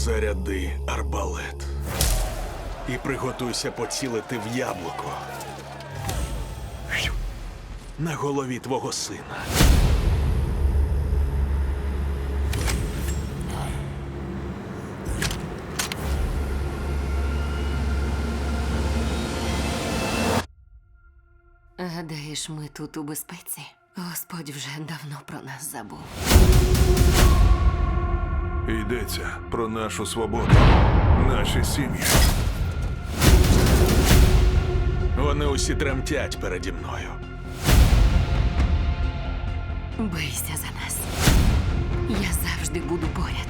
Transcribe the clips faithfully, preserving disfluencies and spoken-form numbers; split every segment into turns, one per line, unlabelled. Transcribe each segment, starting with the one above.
Заряди арбалет. І приготуйся поцілити в яблуко. На голові твого сина.
Гадаєш, ми тут у безпеці? Господь вже давно про нас забув.
Йдеться про нашу свободу, наші сім'ї.
Вони усі тремтять переді мною.
Бийся за нас. Я завжди буду поряд.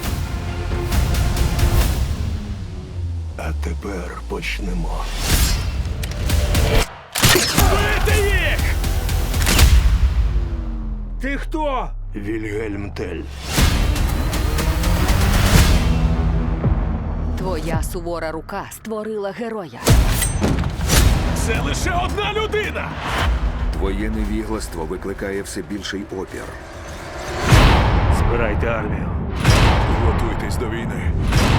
А тепер почнемо.
Бити їх!
Ти хто? Вільгельм Тель.
Твоя сувора рука створила героя.
Це лише одна людина!
Твоє невігластво викликає все більший опір.
Збирайте армію.
Готуйтесь до війни.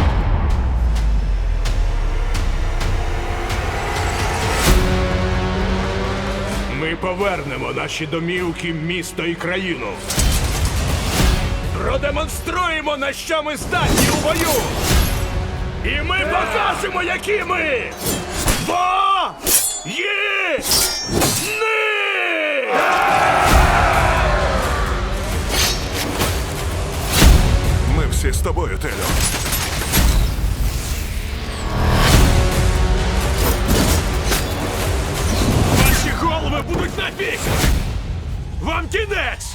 Ми повернемо наші домівки, місто і країну. Продемонструємо, на що ми здатні у бою. І ми покажемо, які ми воїни!
Ми всі з тобою, Телю.
Ваші голови будуть на бік! Вам кінець!